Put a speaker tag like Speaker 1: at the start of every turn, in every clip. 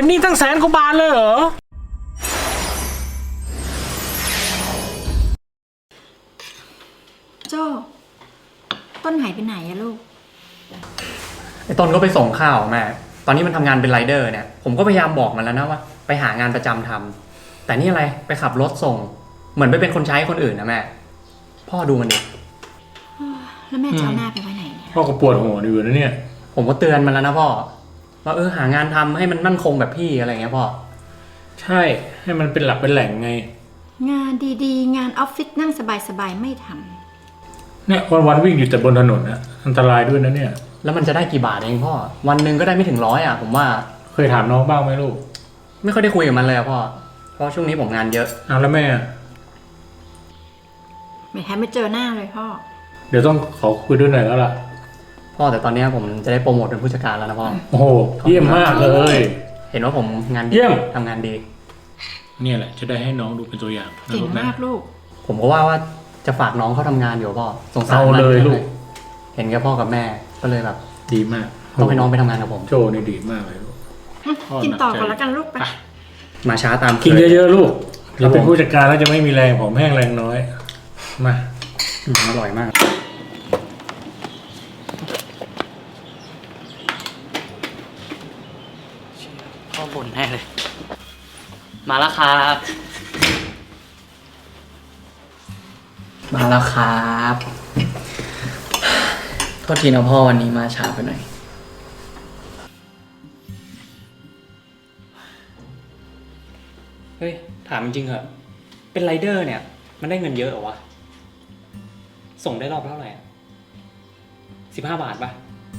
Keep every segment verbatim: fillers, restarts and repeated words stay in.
Speaker 1: เป็นหนี้ตั้งแสนกว่าบาทเลยเหรอ
Speaker 2: โจ้ต้นหายไปไหนอะลูก
Speaker 3: ไอ้ต้นก็ไปส่งข้าวแม่ตอนนี้มันทำงานเป็นไรเดอร์เนี่ยผมก็พยายามบอกมันแล้วนะว่าไปหางานประจำทำแต่นี่อะไรไปขับรถส่งเหมือนไปเป็นคนใช้คนอื่นนะแม่พ่อดูมันดิ
Speaker 2: แล้วแม่จะเอาหน้าไปไว้ไหนเนี่ย
Speaker 1: พ่อก็ปวดหัวอยู่นะเนี่ย
Speaker 3: ผมก็เตือนมันแล้วนะพ่อว่าเออหางานทำให้มันมั่นคงแบบพี่อะไรเงี้ยพ่อ
Speaker 1: ใช่ให้มันเป็นหลักเป็นแหล่งไง
Speaker 2: งานดีๆงานออฟฟิศนั่งสบายๆไม่ท
Speaker 1: ำเนี่ยวันๆวิ่งอยู่แต่บนถนนนะอันตรายด้วยนะเนี่ย
Speaker 3: แล้วมันจะได้กี่บาทเองพ่อวันหนึ่งก็ได้ไม่ถึงร้อยอ่ะผมว่า
Speaker 1: เคยถามน้องบ้างไหมลูก
Speaker 3: ไม่ค่อยได้คุยกับมันเลยอะพ่อเพราะช่วงนี้ผมงานเยอะ
Speaker 1: อ้าวแล้วแม่
Speaker 2: ไม่แทบไม่เจอหน้าเลยพ่อ
Speaker 1: เดี๋ยวต้องขอคุยด้วยหน่อยแล้วล่ะ
Speaker 3: พ่อแต่ตอนนี้ผมจะได้โปรโมทเป็นผู้จัดการแล้วนะพ่อ
Speaker 1: โอ้โหเยี่ยมมากเลย
Speaker 3: เห็นว่าผมงานดีทำงานดี
Speaker 1: เนี่ยแหละจะได้ให้น้องดูเป็นตัวอย่าง
Speaker 2: เก่งมากลูก
Speaker 3: ผมก็ว่าว่าจะฝากน้องเขาทำงานอยู่พ่อสงสาร
Speaker 1: เอาเลยลูก
Speaker 3: เห็นแค่พ่อกับแม่ก็เลยแบบ
Speaker 1: ดีมาก
Speaker 3: ต้องให้น้องไปทำงานกับผม
Speaker 1: โจนี่ดีมากเลยลูก
Speaker 2: กินต่อก่อนแล้วกันลูกไป
Speaker 3: มาช้าตาม
Speaker 1: กินเยอะๆลูกเราเป็นผู้จัดการแล้วจะไม่มีแรงผมแห้งแรงน้อยมา
Speaker 3: อร่อยมากพ่อบ่นแน่เลยมาแล้วครับมาแล้วครับโทษทีนะพ่อวันนี้มาช้าไปหน่อยเฮ้ยถามจริงเหรอเป็นไรเดอร์เนี่ยมันได้เงินเยอะเหรอวะส่งได้รอบเท่าไหร่สิบห้าบาทป่ะ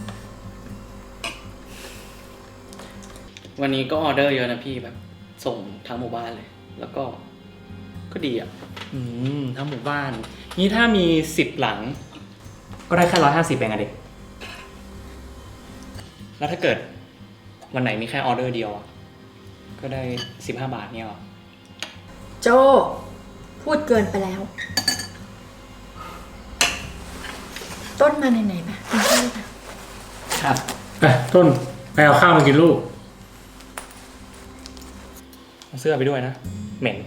Speaker 3: วันนี้ก็ออเดอร์เยอะนะพี่แบบส่งทั้งหมู่บ้านเลยแล้วก็ก็ดีอ่ะอืมทั้งหมู่บ้านนี่ถ้ามีสิบหลังก็ได้แค่ร้อยห้าสิบเองอะเด็กแล้วถ้าเกิดวันไหนมีแค่ออเดอร์เดียวก็ได้สิบห้าบาทเนี่ยหรอ
Speaker 2: โจพูดเกินไปแล้วต้นมาไหนๆปะกินข้าวปะ
Speaker 3: ครับ
Speaker 1: ไปต้นไปเอาข้าวมากินลูก
Speaker 3: เอาเสื้อไปด้วยนะเหม็น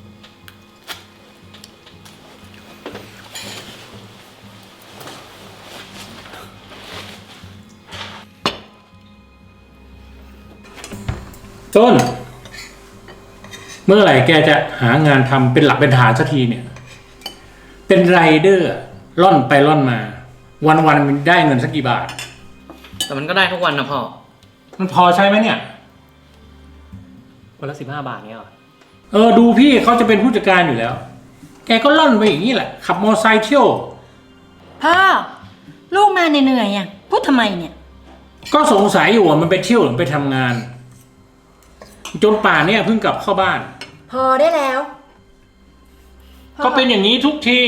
Speaker 1: ต้นเมื่อไหร่แกจะหางานทำเป็นหลักเป็นฐานสักทีเนี่ยเป็นไรเดอร์ล่อนไปล่อนมาวันวันมันได้เงินสักกี่บาท
Speaker 3: แต่มันก็ได้ทุกวันนะพ่อ
Speaker 1: มันพอใช่ไหมเนี่ย
Speaker 3: วันละสิบห้าบาทเนี่ยหรอ
Speaker 1: เออดูพี่เขาจะเป็นผู้จัดการอยู่แล้วแกก็ล่อนไปอย่างนี้แหละขับมอเตอร์ไซค์เที่ยว
Speaker 2: พ่อลูกมาเหนื่อยๆอ่ะพูดทำไมเนี่ย
Speaker 1: ก็สงสัยอยู่ว่ามันไปเที่ยวหรือไปทำงานจนป่านเนี่ยเพิ่งกลับเข้าบ้าน
Speaker 2: พอได้แล้ว
Speaker 1: ก็เป็นอย่างนี้ทุกที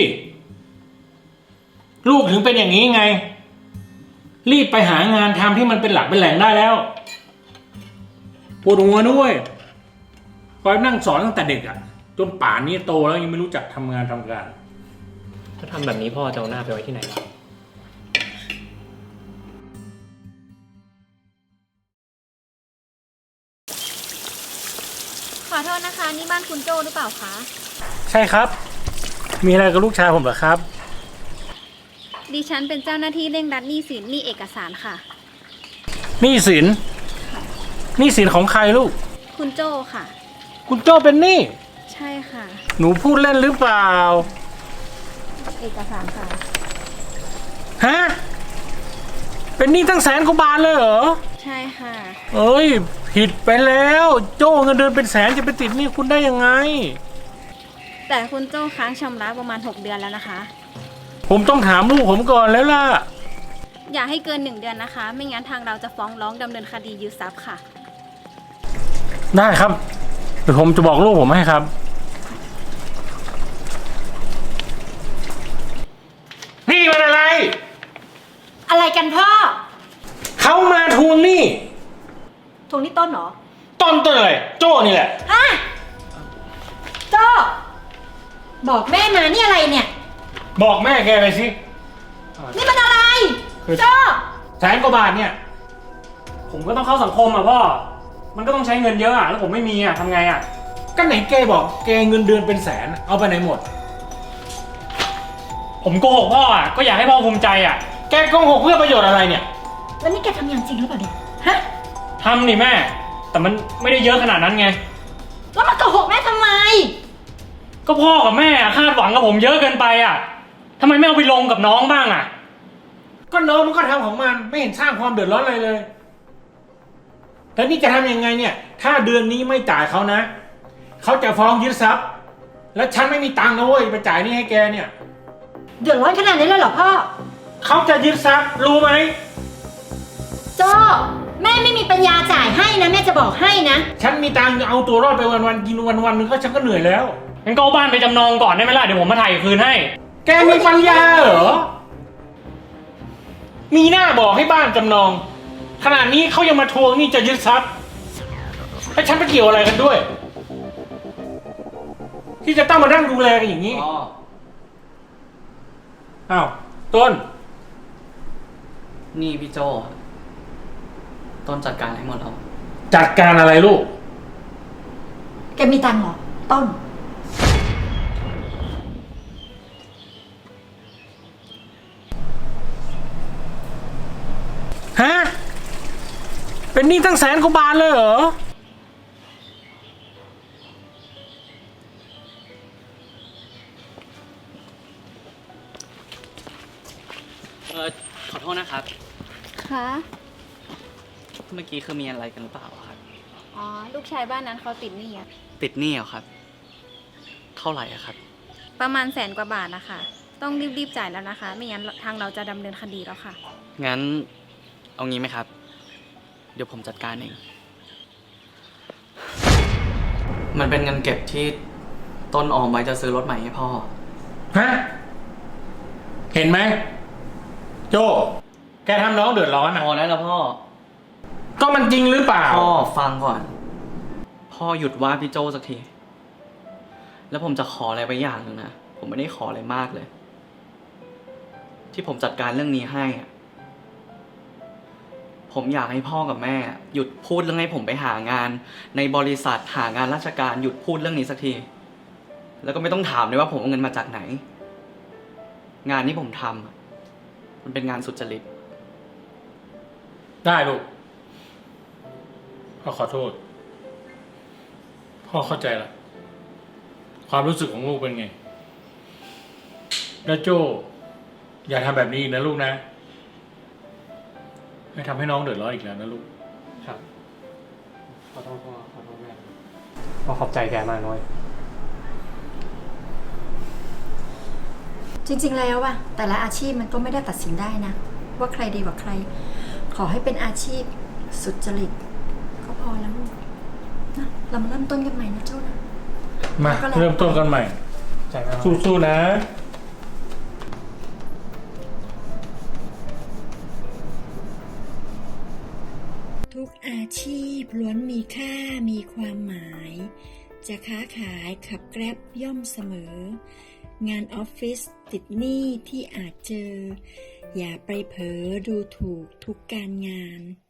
Speaker 1: ลูกถึงเป็นอย่างนี้ไงรีบไปหางานทำที่มันเป็นหลักเป็นแหล่งได้แล้วปวดหัวด้วยคอยนั่งสอนตั้งแต่เด็กอ่ะจนป่านนี้โตแล้วยังไม่รู้จักทำงานทำการ
Speaker 3: ถ้าทำแบบนี้พ่อจะเอาหน้าไปไว้ที่ไหนล่ะ
Speaker 4: ขอโทษนะคะนี่บ้านคุณโจหรือเปล่าคะ
Speaker 1: ใช่ครับมีอะไรกับลูกชายผมเหรอครับ
Speaker 4: ดิฉันเป็นเจ้าหน้าที่เร่งรัดหนี้สินหนี้เอกสารค่ะ
Speaker 1: หนี้สินหนี้สินของใครลูก
Speaker 4: คุณโจค่ะ
Speaker 1: คุณโจเป็นหนี้
Speaker 4: ใช่ค่ะ
Speaker 1: หนูพูดเล่นหรือเปล่า
Speaker 4: เอกสารค่ะ
Speaker 1: ฮะเป็นหนี้ตั้งแสนกว่าบาทเลยเหรอ
Speaker 4: ใช่ค่ะ
Speaker 1: เอ้ยผิดไปแล้วโจ้เงินเดือนเป็นแสนจะไปติดหนี้คุณได้ยังไง
Speaker 4: แต่คุณโจ้ค้างชำระประมาณหกเดือนแล้วนะคะ
Speaker 1: ผมต้องถามลูกผมก่อนแล้วล่ะ
Speaker 4: อย่าให้เกินหนึ่งเดือนนะคะไม่งั้นทางเราจะฟ้องร้องดำเนินคดียึดทรัพย์ค่ะ
Speaker 1: ได้ครับเดี๋ยวผมจะบอกลูกผมให้ครับนี่มันอะไร
Speaker 2: อะไรกันพ่อ
Speaker 1: เขามาทวงหนี้
Speaker 2: ทวงหนี้ต้นเหรอ
Speaker 1: ต้นต้นอะไรโจ้นี่แหละ
Speaker 2: ฮะโจ้บอกแม่มานี่อะไรเนี่ย
Speaker 1: บอกแม่แกไปสิ
Speaker 2: นี่มันอะไรโจ้
Speaker 1: แสนกว่าบาทเนี่ยผมก็ต้องเข้าสังคมอ่ะพ่อ
Speaker 3: มันก็ต้องใช้เงินเยอะอะแล้วผมไม่มีอะทำไงอะ
Speaker 1: ก็ไหนแกบอกแกเงินเดือนเป็นแสน เอาไปไหนหมด
Speaker 3: ผมโกหกพ่ออะก็อยากให้พ่อภูมิใจอะ
Speaker 1: แกโกหกเพื่อประโยชน์อะไรเนี่ย
Speaker 2: แล้วนี่แกทำอย่างจริงหรือเปล่าเนี่ยฮะ
Speaker 3: ทำนี่แม่ แต่มันไม่ได้เยอะขนาดนั้นไง
Speaker 2: แล้วมาโกหกแม่ทำไม
Speaker 3: ก็พ่อกับแม่อะคาดหวังกับผมเยอะเกินไปอะทำไมไม่เอาไปลงกับน้องบ้างอะ
Speaker 1: ก็น้องมันก็ทำของมันไม่เห็นสร้างความเดือดร้อนอะไรเลยแล้วนี่จะทำยังไงเนี่ย ถ้าเดือนนี้ไม่จ่ายเขานะ เขาจะฟ้องยึดทรัพย์ แล้วฉันไม่มีตังค์นะเว้ยไปจ่ายหนี่ให้แกเนี่ย
Speaker 2: เดือดร้อนขนาดนี้เลยเหรอพ่อ
Speaker 1: เขาจะยึดทรัพย์รู้ไหม
Speaker 2: โจ้แม่ไม่มีปัญญาจ่ายให้นะแม่จะบอกให้นะ
Speaker 1: ฉันมีตังค์จะเอาตัวรอดไปวันๆกินวันๆนึงก็ฉันก็เหนื่อยแล้ว
Speaker 3: งั้นก็เอาบ้านไปจำนองก่อนได้ไหมล่ะเดี๋ยวผมมาถ่ายคืนให้
Speaker 1: แกมีปัญญาเหรอ มีหน้าบอกให้บ้านจำนอง ขนาดนี้เขายังมาทวงหนี่จะยึดทรัพย์ให้ฉันไปเกี่ยวอะไรกันด้วย ที่จะต้องมานั่งดูแลกันอย่างนี้
Speaker 3: พ่อ
Speaker 1: อ้าวต้น
Speaker 5: นี่พี่โจต้นจัดการให้หมดแล้ว
Speaker 1: จัดการอะไรลูก
Speaker 2: แกมีตังค์เหรอ ต้น
Speaker 1: ฮะ เป็นหนี้ตั้งแสนกว่าบาทเลยเหรอ
Speaker 5: เออขอโทษนะครับ
Speaker 4: ค่ะ
Speaker 5: เมื่อกี้คือมีอะไรกันหรือเปล่าครับ
Speaker 4: อ๋อ ลูกชายบ้านนั้นเขาติดหนี้อะ
Speaker 5: ติดหนี้เหรอครับ เท่าไหร่อะครับ
Speaker 4: ประมาณแสนกว่าบาทนะคะ ต้องรีบๆจ่ายแล้วนะคะ ไม่งั้นทางเราจะดำเนินคดีแล้วค่ะ
Speaker 5: งั้นเอางี้ไหมครับ เดี๋ยวผมจัดการเอง มันเป็นเงินเก็บที่ต้นออมไว้จะซื้อรถใหม่ให้พ่อ
Speaker 1: ฮะ เห็นไหม โจ แกทำน้องเดือดร้อน
Speaker 5: พ
Speaker 1: อ่ะ
Speaker 5: อแล้วนะพ่อ
Speaker 1: ก็มันจริงหรือเปล่า
Speaker 5: พ่อฟังก่อน พ่อหยุดว่าพี่โจสักที แล้วผมจะขออะไรไปอย่างหนึ่งนะ ผมไม่ได้ขออะไรมากเลย ที่ผมจัดการเรื่องนี้ให้อะผมอยากให้พ่อกับแม่ หยุดพูดเรื่องให้ผมไปหางาน ในบริษัทหางานราชการหยุดพูดเรื่องนี้สักที แล้วก็ไม่ต้องถามเลยว่าผมเอาเงินมาจากไหน งานที่ผมทำอะมันเป็นงานสุจริต
Speaker 1: ได้ลูก พ่อขอโทษ พ่อเข้าใจละ ความรู้สึกของลูกเป็นไง แล้วโจ อย่าทำแบบนี้อีกนะลูกนะ ไม่ทำให้น้องเดือดร้อนอีกแล้วนะลูก
Speaker 3: ครับ ขอโทษพ่อ ขอโทษแม่พ่อขอบใจแกมากน้อย
Speaker 2: จริงๆแล้วอะแต่ละอาชีพมันก็ไม่ได้ตัดสินได้นะ ว่าใครดีกว่าใคร ขอให้เป็นอาชีพสุจริตก็พอแล้วลูกนะเรามาเริ่มต้นกันใหม่นะโจ้นะ
Speaker 1: มา
Speaker 2: ก็แล้ว
Speaker 1: เริ่มต้นกันใหม่
Speaker 3: ใจมาก
Speaker 1: สู้ๆนะ
Speaker 6: ทุกอาชีพล้วนมีค่ามีความหมาย จะค้าขายขับแกร็บย่อมเสมอ งานออฟฟิศติดหนี้ที่อาจเจอ อย่าไปเผลอดูถูกทุกการงาน